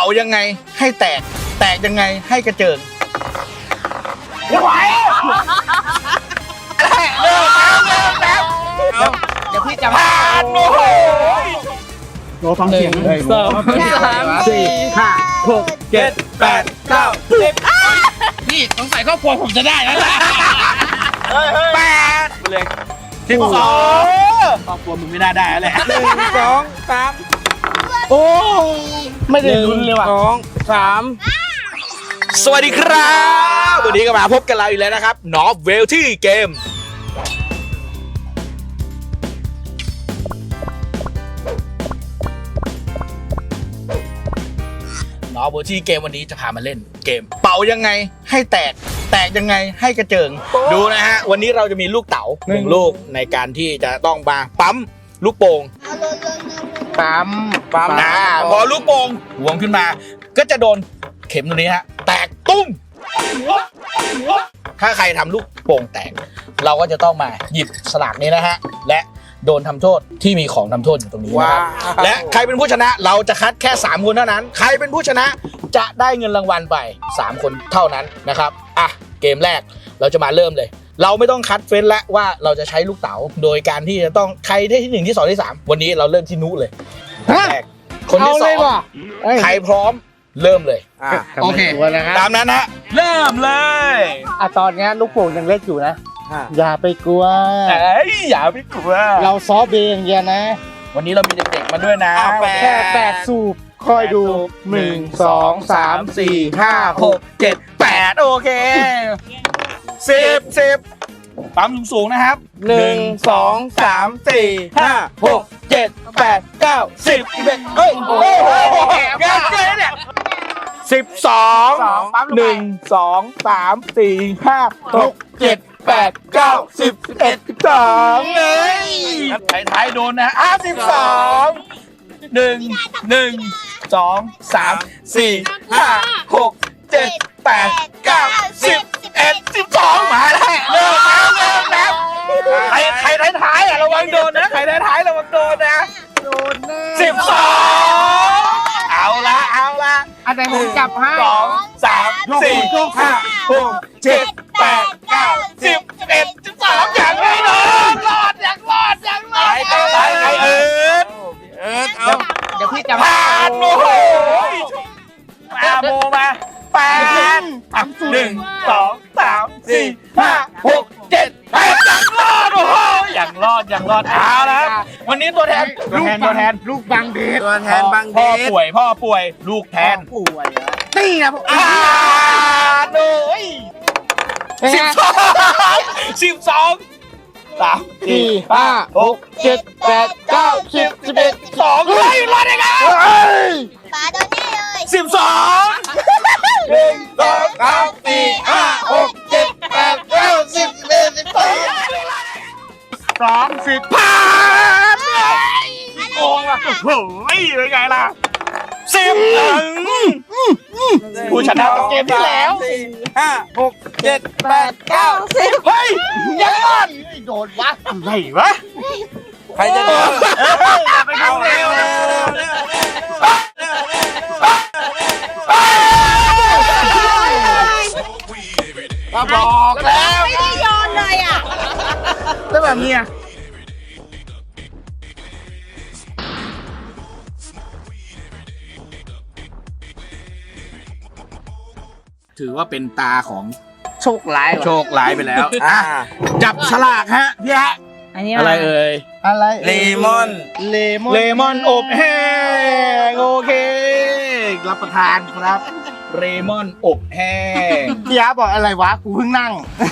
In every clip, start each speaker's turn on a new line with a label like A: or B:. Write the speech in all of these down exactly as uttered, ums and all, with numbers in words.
A: ยังไงให้แตกแตกยังไงให้กระเจิงไม่ไหวเลิกแล้วเลิกแล้วเดี๋ยวพี่จะผ่านโอ้โหโน้ฟังเสียงเลยสองสามสี่ห้าหกเจ็ดแปดเก้าสิบนี่สงสัยครอบครัวผมจะได้แล้วนะแปดเลยสิบสองครอบครัวมึงไม่น่าได้แล้วแหละหนึ่งสองสามโอ้ไม่ได้ลุ้นเลยว่ะสองสามสวัสดีครับวันนี้ก็มาพบกันเราอีกแล้วนะครับนอฟเวลที่เกมนอฟเวลที่เกมวันนี้จะพามาเล่นเกมเป่ายังไงให้แตกแตกยังไงให้กระเจิงดูนะฮะวันนี้เราจะมีลูกเต๋าหนึ่งลูกในการที่จะต้องมาปั๊มลูกโป่งปั๊มปั๊มนะพอลูกโป่งหวงขึ้นมาก็จะโดนเข็มตัวนี้ฮะแตกตุ้มถ้าใครทำลูกโป่งแตกเราก็จะต้องมาหยิบสลากนี้นะฮะและโดนทำโทษที่มีของทำโทษอยู่ตรงนี้นะครับและใครเป็นผู้ชนะเราจะคัดแค่สามคนเท่านั้นใครเป็นผู้ชนะจะได้เงินรางวัลไปสามคนเท่านั้นนะครับอ่ะเกมแรกเราจะมาเริ่มเลยเราไม่ต้องคัดเฟ้นแล้วว่าเราจะใช้ลูกเต๋าโดยการที่จะต้องใครได้ที่หนึ่งที่สองที่สามวันนี้เราเริ่มที่นุเลยแรกคนที่สองใครพร้อมเริ่มเลยโอเคตามนั้นฮะเริ่มเลย
B: อ่ะตอนนี้ลูกโป่งยังเล็กอยู่นะอย่าไปกลัว
A: เอ้ยอย่าไปกลัว
B: เราซอฟต์เบย์อย่างเดียวนะ
A: วันนี้เรามีเด็กๆมาด้วยนะ
B: แค่แปดสูบคอยดูหนึ่งสองสามสี่ห้าหก
A: เจ็ดแปดโอเคสิบสิบปั๊มสูงๆนะครับ
B: หนึ่งสองสามสี่ห้าหกเจ็ดแปดเก้าสิบสิบเอ็ดเฮ้ยโอ้โห
A: งานเจ๊เนี่ยสิบสองหนึ่งสองสามสี่ห้าหกเจ็ดแปดเก้าสิบสิบเอ็ดสิบสองเลยท้ายๆโดนนะอ่ะสิบสองหนึ่งหนึ่งสองสามสี่ห้าหกเจ็ดแปดเก้าสิบสิบเอ็ดสิบสองมาแล้วเริ่มแล้วเริ่มแล้วใครใครท้ายๆอ่ะระวังโดนนะใครท้ายๆระวังโดนนะ
B: โดนแน่
A: สิบสองเอาละเอาละ
B: อันไหนผมจับให้
A: สองสามสี่ห้าหกเจ็ดแปดเก้าสิบสิบเอ็ดสิบสองอย่างไม่โดนรอดอย่างรอดอย่างรอดใครใครใครเอิร์ดเอิร์ดเอา
B: เดี๋ยวพี่จะ
A: ผ่านโอ้โหมาโมมาแปดหนึ่งสองสามสี่ห้าหกเจ็ดแปดอย่างรอดโอ้โหอย่างรอดอย่างรอดเอาแล้ววันนี้ตัวแทนตัวแทนตัวแทน
B: ลูกบางเดช
A: ตัวแทนบางเดชพ่อป่วยพ่อป่วยลูกแทน
B: ป่วยนี่นะ
A: อ่าโอ้ยสิบสองสิบสองสามสี่ห้าหกเจ็ดแปดเก้าสิบสิบเอ็ดสองเฮ้ยรอดได้ไง
C: ปาโดนแน่เลย
A: สิบสองหนึ่งสองสามสี่ห้าหกเจ็ดแปดเก้าสิบสิบเอ็ดสิบสองสามสิบผ่านโอ้ยโอ้โหเป็นไงล่ะสิบผู้ชนะเกมที่แล้ว
B: สี่ห้าหกเจ็ดแปดเก้าสิบ
A: เฮ้ยยังรอด
B: โดนวะ
A: อะไรวะ
B: ใครจะโดน
A: ไปเอาเร็วเร็วก็บอกแล้ว
C: ไม่ได้โยนเลยอ่ะ
A: แล้วแบบนี้ถือว่าเป็นตาของ
B: โชคร้าย
A: โชคร้ายไปแล้วอ่ะจับฉลากฮะพี่ฮะอะไรเอ่ย
B: อะไร
A: เลมอน
B: เลมอน
A: เลมอนอบแห้งโอเครับประทานครับเลมอนอบแห้ง
B: พี่ยาบอกอะไรวะกูเพิ่งนั่ง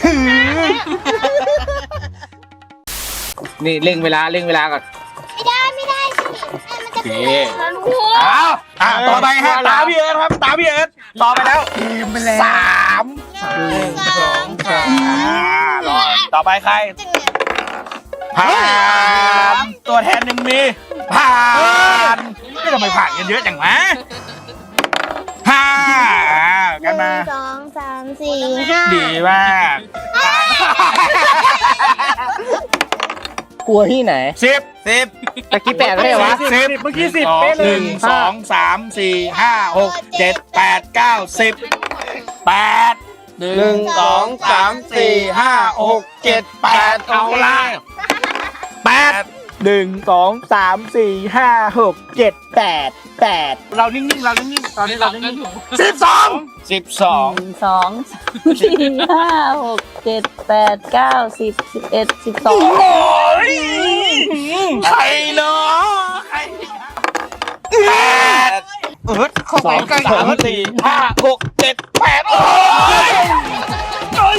B: นี่เร่งเวลาเร่งเวลาก่อน
C: ไม่ได้ไม่ได้สิมันจะเป็นแล้วลูก
A: อ้าวอ่ะต่อไปฮะตาพี่เอิร์ธครับตาพี่เอิร์ธต่อไปแล้วสาม
C: หนึ่งสองสาม
A: ต่อไปใครผ่านตัวแทนหนึ่งมีผ่านไม่ทำไมผ่านกันเยอะจังวะห้ากันมา
C: สองสามสี่ห้า
A: ดีมากกลัวที่ไหน
B: สิบสิบ
A: ตะกี้แปดไม่ใช่วะ
B: สิบเมื่อกี้สิบเป๊ะเลยหนึ่งสองสามสี่ห้าหกเจ็ดแปดเก้าสิบแปดหนึ่งสองสามสี่ห้าหกเจ็ดแปดเอาละแปดหนึ่งสองสามสี่ห้าหกเจ็ดแปดแปดเรานิ่งๆเรานิ่งๆตอนนี้เรานิ่งๆสิบสองสิบสอง
D: หนึ่งสองสามสี่ห้าหกเจ็ดแปดเก้าสิบสิบเอ็ดสิบสอง
B: โอ้ยใครเนาะใครแปดเออเข้าไปใกล้สามสี่ห้าหกเจ็ดแปดโอ้ยเฮ้ย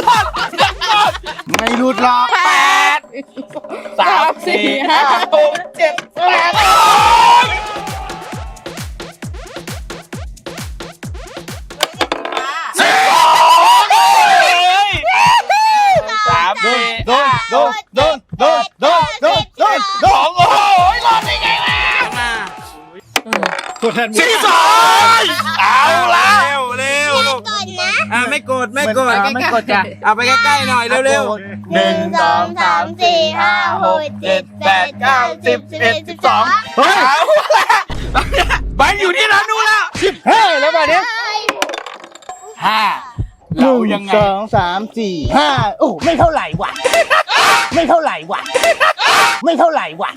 B: ไม่หลุดหรอกแปดสามสี่ห้าหกเจ็ดแปดโอ้ยสิบสองเลยสามสี่โดนโดนโดนโดนโดนโดนโดนโดนโอ้ยรอดได้ไงล่ะสี่สองเอาละเร็วเร็วลูก
C: ก่อนนะ
B: อ่าไม่กดไม่กด
A: ไม่กดจ้ะ
B: เอาไปใกล้ๆหน่อยเร็วๆ
C: หนึ่งสองสามสี่ห้าหกเจ็ดแปดเก้าสิบสิบเอ็ดสิบสอง
B: เฮ้ยมันอยู่ที่ร้านนู้นแล้วสิบห้าแล้วป่ะเนี่ยห้าเรายังไง
A: สองสามสี่ห้าโอ้ไม่เท่าไหร่ว่ะ ไม่เท่าไหร่ว่ะ ไม่เท่าไหร่ว่ะ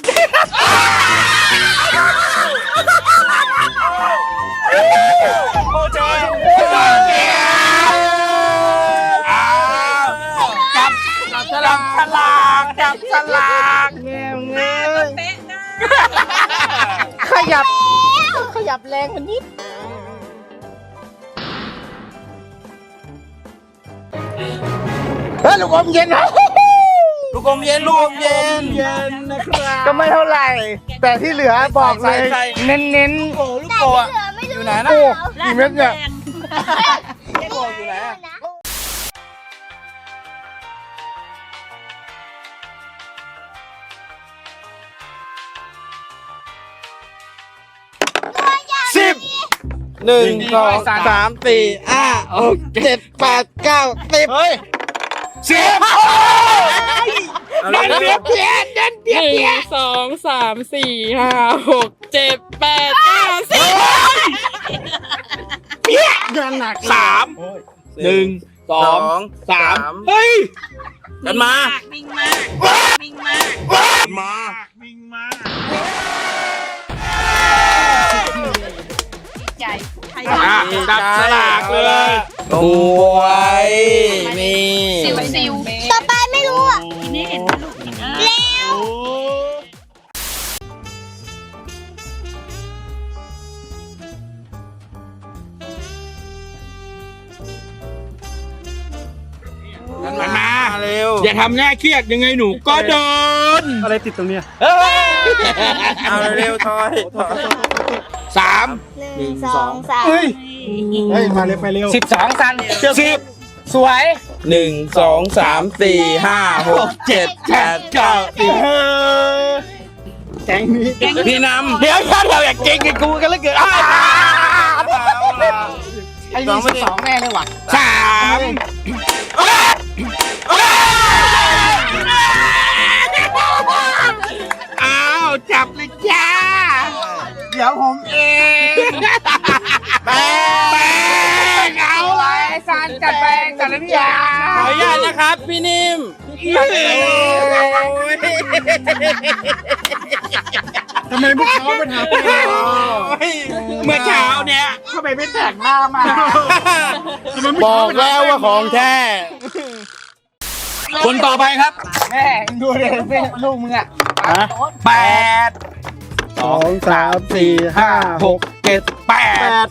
B: โอ้เจ้าจับจับฉลากฉลากจับฉลากเงี้ยเงี้ย
A: ขยับ ขยับแรงมันนิด เฮ้ยลูกอมเย็นนะ
B: ลูกอมเย็นลูกอมเย็นเย็นนะครับ
A: ก็ไม่เท่าไหร่ แต่ที่เหลือบอกเลย
B: ใส่
A: เน้น
B: โอ้ลูกโป่งอยู่ไหน
A: ๆ
B: นะ
A: โอ้กี่เม็ดเนี่ย
B: ลูกโป่งอยู่ไหน สิบหนึ่งสองสามสี่ห้าหกเจ็ดแปดเก้าสิบเฮ้ยสิบเดินเบียดเบียดเดินเบียด
D: หนึ่
B: เบีย
D: ง
B: ด
D: สองสามสี่ห้าหกเจ็ดแปดเก้าสิบ
B: สามหนึ่งสองสามเฮ้ยกันมา
D: วิ่งมากวิ่งมาก
B: มาวิ่งมา
D: ใจใคร
B: อ่ะจับฉลากเลยบวยนี่
D: ซิวซิว
C: ต่อไปไม่รู้อ่ะ
D: นี่เห็นไหมลูกเร็ว
B: มันมาเร็วอย่าทำหน้าเครียดยังไงหนูก็โดน
A: อะไรติดตรงเนี้ย
B: เอาเร็วๆทอยสาม
C: หนึ่งสองสาม
A: เฮ้ย เฮ้ย มาเร็วไปเร็ว
B: สิบสองสันสิบสวยหนึ่งสองสามสี่ห้าหกเจ็ดแปดเก้าสิบ
A: แก๊งนี้
B: พี่นำเดี๋ยวถ้าเราอยากเก่งกับกูกันแล้วเกิด
A: ไอ้นี่สิบสองแน่เลยว่ะ
B: สามอ้าวจับเลยจ้า
A: เดี๋ยวผมเอง
B: แป้งเอาไรสันจัดแป้งจัดน้ำยาขออนุญาตนะครับพี่นิ่ม
A: ทำไมพวกเขาเป็นหา
B: เมื่อเช้าเนี้ย
A: ทำไมไม่แต่งหน้ามา
B: บอกแล้วว่าของแท้ คนต่อไปครับ
A: แม่ดูเลยลูกมึงอ่ะ
B: แปด
A: สองสามสี่ห้าหก
B: เจ็ดแปด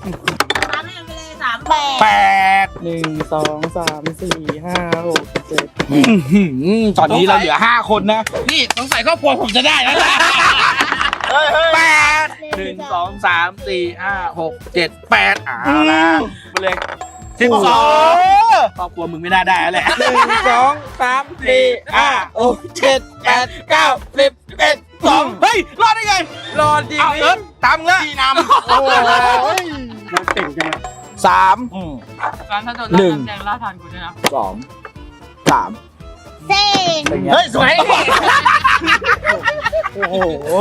C: แปด
B: แปด
D: หนึ่งสองสามสี่ห้าหกเจ็ด
B: ตอนนี้เราเหลือห้าคนนะ นี่สงสัยครอบครัวผมจะได้แล้วนะแปดหนึ่งสองสามสี่ห้าหกเจ็ดแปดอ่าละไปเลยสิบสองครอบครัวมึงไม่น่าได้แล้วแหละหนึ่งสองสามสี่ห้าหกเจ็ดแปดเก้าสิบเอ็ดสองเฮ้ย รอดได้ไง รอดจริงเอาเอิร์ธตามแล้วพี่นำโอ้ย
A: มันเก่งจัง
B: สาม
D: ร้านถ้าโดน
B: หนึ่ง
D: แดงล่าทานกูด้วยนะ
B: สองสาม
C: สี่
B: เฮ้ยสวย
A: โอ้โห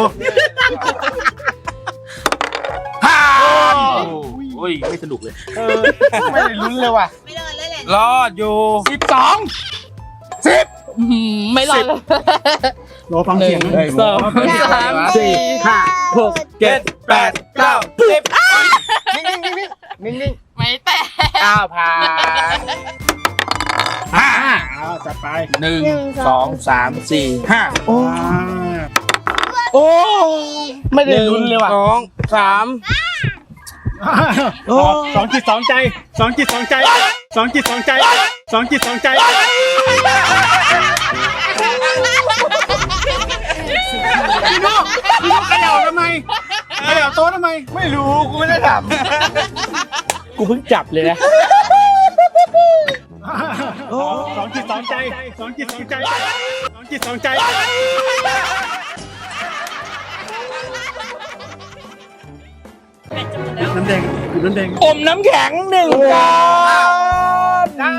B: ผ่านโอ้ยไม่สนุกเลย
A: ไม่ได้ลุ้นเลยว่ะ
C: ไม่โดนเลยแหละ
B: รอดอยู่สิบสองสิบ
D: อืมไม่รอดเลย
A: รอฟังเสียง
D: หนึ่งสองสามสี่ห้าหก
B: เจ็ดแปดเก้าสิบ
A: นิ่งนิ่งนิ่งนิ่งนิ่ง
D: ไม่แตะ
B: อ้าวผ่านห้า
A: อ้าวจัดไป
B: หนึ่งสองสามสี่ห้า
A: โอ้
B: โอ้
A: ไม่ได้ลุ้นเลยว่ะ
B: สองสาม
A: สองจิตสองใจสองจิตสองใจสองจิตสองใจสองจิตสองใจพี่นุ๊กพี่นุ๊กเขย่าทำไมเขย่าโต๊ะทำไมไม่รู้กูไม่ได้ทำ
B: กูเพิ่งจับเลยนะ
A: สองจิตสองใจสองจิตสองใจสองจิตสองใจน้ำแดงอยู่น้ำแดง
B: อมน้ำแข็งหนึ่งก้อนได้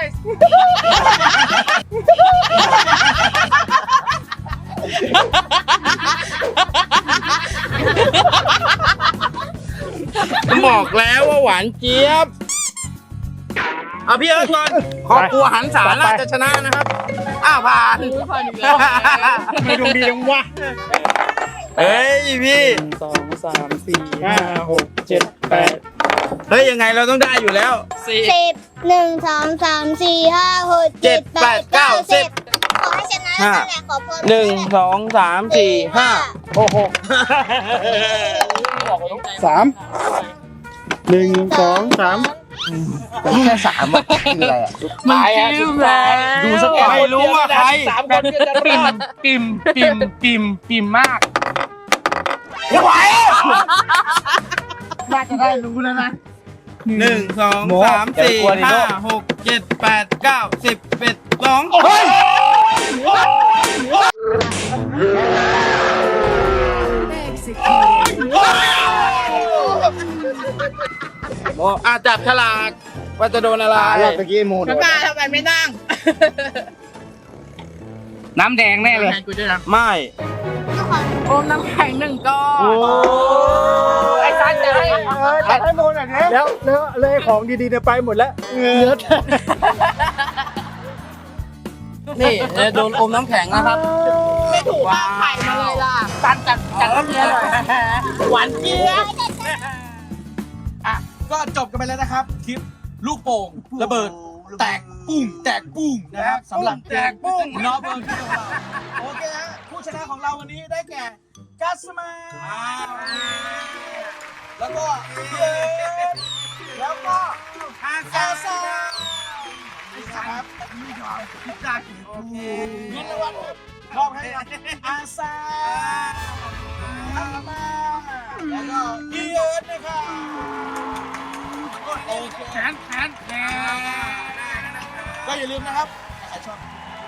B: บอกแล้วว่าหวานเจี๊ยบเอาพี่เอิร์ธก่อนครอบครัวหันสาราจะชนะนะครับ อ้าวผ่าน
D: ผ่านอีกแล้ว
A: ไม่ดวงดีจังวะ
B: เฮ้ยพี่
A: สองสามสี่ห้าหกเจ็ดแปด
B: เฮ้ยยังไงเราต้องได้อยู่แล้ว
D: สี่
C: สิบหนึ่งสองสามสี่ห้าหกเจ็ดแปดเก้าสิบขอให้ชนะนั่นแหละขอพร
B: หนึ่งสองสามสี่ห้า
A: โอ้โหสามหนึ่งสองสามแค่สามอ่ะคืออะไรอ่ะ
D: มันจิ้มแล้ว
B: ดูสักหน่อยไม่รู้ว่าใคร
E: สามคนก็จะปิ่มปิ่มปิ่มปิ่มปิ่มมาก
B: ไหว
A: น่าจะได้รู้แล้วนะ
B: หนึ่งสองสามสี่ห้าหกเจ็ดแปดเก้าสิบเอ็ดสองเฮ้ยโมอ่ะจับฉลากว่าจะโดนอะไร
A: รอบตะกี้มูน
E: กล้าทำไมไม่นั่ง น้ำแดงแน่เลย
B: ไม่
D: โอมน้ำแข็งหนึ่งก้อน
E: ไอ้ซันจะให้
A: ตัดให้มูนหน่อยนะแล้วแล้วเลยของดีๆเนี่ยไปหมดแล้วเนื้อ
B: นี่โดนอมน้ำแข็งนะครับ
E: ไม่ถูกวางไข่มาเลยล่ะซันจัดจัดน้ำเนื้อหน่อยหวานเจี๊ยบอ่ะก็จบกันไปแล้วนะครับคลิปลูกโป่งระเบิด แตกปุ้งแตกปุ้งนะครับสำหรับแตกปุ้งนอเบิร์นของเราโอเคฮะผู้ชนะของเราวันนี้ได้แก่กัสมาแล้วก็เยแล้วก็อาซาซาครับพิซซ่ากี่ปูเงินรางวัลครับมอบให้กับอาซาอามาแล้วก็พี่เอิร์ธนะครับโอเคแขนแขนแขนก็อย่าลืมนะครับใครชอบ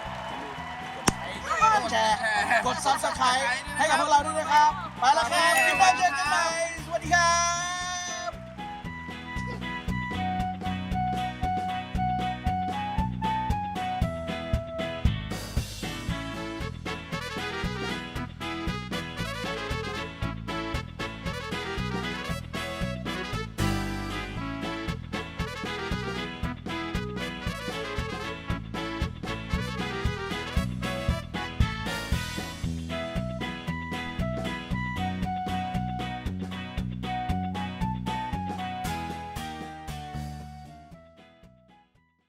E: กดแชร์กดซับสไครต์ให้กับพวกเราด้วยนะครับไปแล้วครับคลิปหน้าเจอกันใหม่สวัสดีครับ